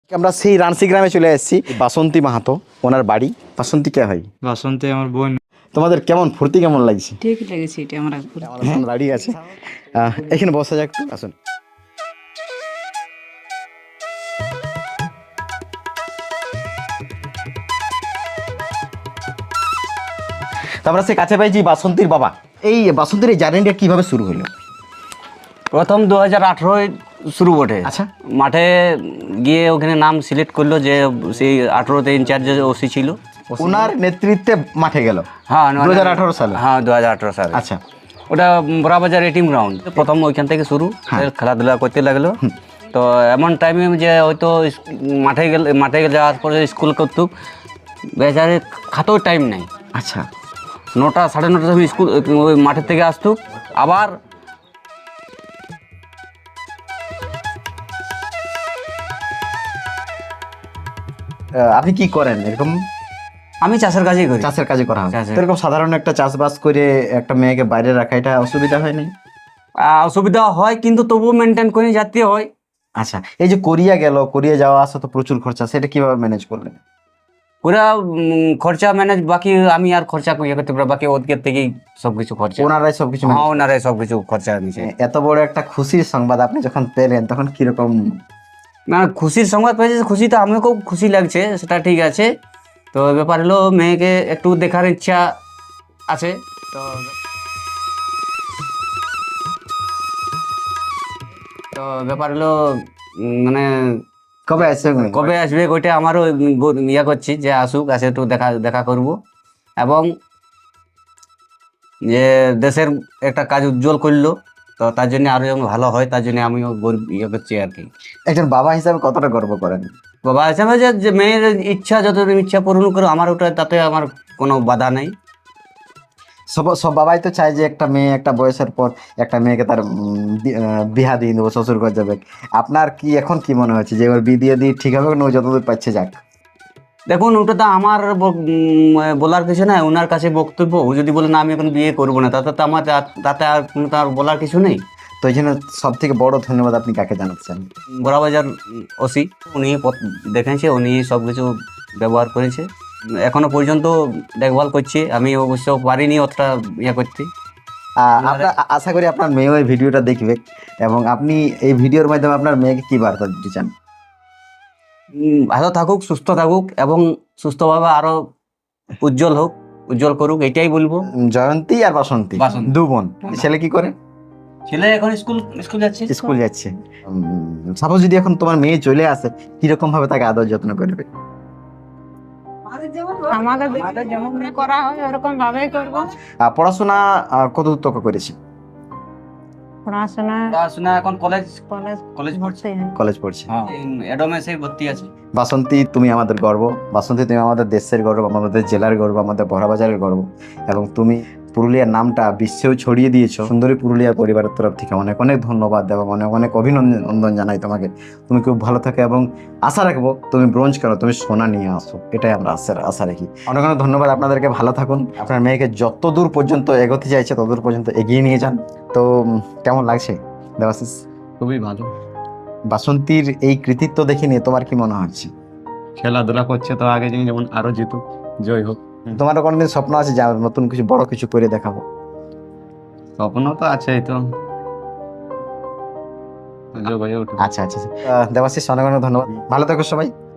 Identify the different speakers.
Speaker 1: আমরা সেই রানসি গ্রামে চলে এসেছি। বাসন্তী মাহাতো ওনার বাড়ি। বাসন্তী কে হয়?
Speaker 2: বাসন্তী আমার বোন।
Speaker 1: তোমাদের কেমন ফুর্তি কেমন লাগছে?
Speaker 3: ঠিক লেগেছে এটা আমার
Speaker 1: আমার বাড়ি আছে, এখানে বসা যাক, একটু আসুন। তারপরে সে কাছে পাইছি বাসন্তীর বাবা। এই বাসন্তীর এই জার্নিটা কিভাবে শুরু হলো?
Speaker 4: প্রথম 2018 শুরু বটে।
Speaker 1: আচ্ছা।
Speaker 4: মাঠে গিয়ে ওখানে নাম সিলেক্ট করলো, যে সেই 18তে ইনচার্জ ওসি ছিল,
Speaker 1: ওনার নেতৃত্বে মাঠে গেল।
Speaker 4: হ্যাঁ
Speaker 1: 2018 সালে।
Speaker 4: হ্যাঁ 2018 সালে।
Speaker 1: আচ্ছা।
Speaker 4: ওটা বড়াবাজার এটিম গ্রাউন্ড, প্রথম ওইখান থেকে শুরু, খেলাধুলা করতে লাগলো। তো এমন টাইমে যে হয়তো মাঠে যাওয়ার পরে স্কুল করতুক, বেচারে খাতেও টাইম নেই।
Speaker 1: আচ্ছা।
Speaker 4: 9টা 9:30 সময় স্কুল ওই মাঠের থেকে আসতুক। আবার
Speaker 1: আপনি কি করেন এরকম?
Speaker 4: আমি চাষের কাজই করি।
Speaker 1: চাষের কাজে করা হয়।
Speaker 4: চাষের।
Speaker 1: তো এরকম সাধারণ একটা চাষবাস করে একটা মেয়েকে বাইরে রাখা, এটা অসুবিধা হয়নি?
Speaker 4: অসুবিধা হয়, কিন্তু তবুও মেনটেন করে যেতে হয়।
Speaker 1: আচ্ছা, এই যে কোরিয়া গেল, কোরিয়া যাওয়া আসা তো প্রচুর খরচা, সেটা কিভাবে ম্যানেজ করলেন?
Speaker 4: পুরা খরচা ম্যানেজ, বাকি আমি আর খরচা ইয়ে করতে পারি, বাকি ওদের থেকেই সবকিছু খরচা।
Speaker 1: ওনারাই সবকিছু
Speaker 4: হ্যাঁ, ওনারাই সবকিছু খরচা নিয়েছে।
Speaker 1: এত বড় একটা খুশির সংবাদ আপনি যখন পেলেন তখন কিরকম?
Speaker 4: মানে খুশির সংবাদ পেয়েছে, খুশি তো আমিও খুব খুশি লাগছে, সেটা ঠিক আছে। তো ব্যাপার হলো মেয়েকে একটু দেখার ইচ্ছা আছে। তো তো ব্যাপার হলো মানে
Speaker 1: কবে আসছে?
Speaker 4: কবে আসবে ওইটা আমারও ইয়ে করছি, যে আসুক, আসে একটু দেখা করব, এবং যে দেশের একটা কাজ উজ্জ্বল করলো, তো তার জন্য আরো যেন ভালো হয়, তার জন্য আমিও ইয়ে করছি আর কি।
Speaker 1: একজন বাবা হিসাবে কতটা গর্ব করেন?
Speaker 4: বাবা হিসাবে যে মেয়ের ইচ্ছা, যতদিন ইচ্ছা পূরণ করো, আমার ওটা, তাতে আমার কোনো বাধা নেই।
Speaker 1: সব বাবাই তো চায় যে একটা মেয়ে একটা বয়সের পর একটা মেয়েকে তার বিয়া দিয়ে দেবো, শ্বশুর ঘর যাবে। আপনার কি এখন কি মনে হচ্ছে যে ওর বিয়ে দিয়ে ঠিক হবে না, ও যতদূর পাচ্ছে যাক?
Speaker 4: দেখুন, ওটা তো আমার বলার কিছু নাই, ওনার কাছে বক্তব্য। ও যদি বলে না আমি এখন বিয়ে করবো না, তাতে তো আমার তাতে আর কোনো তার বলার কিছু নেই।
Speaker 1: তো এই জন্য সব থেকে বড় ধন্যবাদ আপনি কাকে জানাচ্ছেন?
Speaker 4: বড়াবাজার ওসি, উনি দেখেছে, উনি সব কিছু ব্যবহার করেছে, এখনো পর্যন্ত দেখভাল করছে। আমি অবশ্য পারিনি অতটা ইয়ে করতে।
Speaker 1: আপনার আশা করি আপনার মেয়েও এই ভিডিওটা দেখবে, এবং আপনি এই ভিডিওর মাধ্যমে আপনার মেয়েকে কি বার্তা দিতে চান?
Speaker 4: ভালো থাকুক, সুস্থ থাকুক, এবং সুস্থভাবে আরো উজ্জ্বল করুক, এটাই বলবো।
Speaker 1: জয়ন্তী আর বাসন্তী,
Speaker 4: বাসন্তী।
Speaker 1: দু বোন। ছেলে কি করে?
Speaker 4: ছেলে এখন স্কুল যাচ্ছে।
Speaker 1: স্কুল যাচ্ছে। সাপোজ যদি এখন তোমার মেয়ে চলে আসে, কিরকম ভাবে তাকে আদর যত্ন করবে?
Speaker 3: আমাদের যেমন করা হয় ওরকম ভাবেই করবো।
Speaker 1: পড়াশোনা কত দূর করেছি?
Speaker 3: পড়াশোনা
Speaker 4: এখন কলেজ
Speaker 3: কলেজ
Speaker 4: পড়ছে।
Speaker 1: কলেজ পড়ছে।
Speaker 4: হ্যাঁ, এডোমেসে ভর্তি আছে।
Speaker 1: বাসন্তী, তুমি আমাদের গর্ব। বাসন্তী, তুমি আমাদের দেশের গর্ব, আমাদের জেলার গর্ব, আমাদের বড়াবাজারের গর্ব, এবং তুমি পুরুলিয়ার নামটা বিশ্বেও ছড়িয়ে দিয়েছো। সুন্দরী পুরুলিয়া পরিবারের তরফ থেকে অনেক অনেক ধন্যবাদ এবং অনেক অনেক অভিনন্দন জানাই তোমাকে। তুমি খুব ভালো থাকো, এবং আশা রাখবো তুমি ব্রোঞ্জ করো, তুমি সোনা নিয়ে আসো, এটাই আমরা আশা রাখি। অনেক অনেক ধন্যবাদ আপনাদেরকে। ভালো থাকুন। আপনার মেয়েকে যত দূর পর্যন্ত এগোতে চাইছে ততদূর পর্যন্ত এগিয়ে নিয়ে যান। তো কেমন লাগছে দেবাশিস?
Speaker 2: খুবই ভালো।
Speaker 1: বাসন্তীর এই কৃতিত্ব দেখে নিয়ে তোমার কি মনে হচ্ছে?
Speaker 2: খেলাধুলা করছে তো আগে যেমন আরো জিতুক, জয় হোক।
Speaker 1: তোমারও কোনোদিন স্বপ্ন আছে যে নতুন কিছু বড় কিছু করে দেখাবো?
Speaker 2: স্বপ্ন তো আছেই তো, যোগ হয়ে উঠুক।
Speaker 1: আচ্ছা। দেবাশিস, অনেক অনেক ধন্যবাদ। ভালো থাকো সবাই।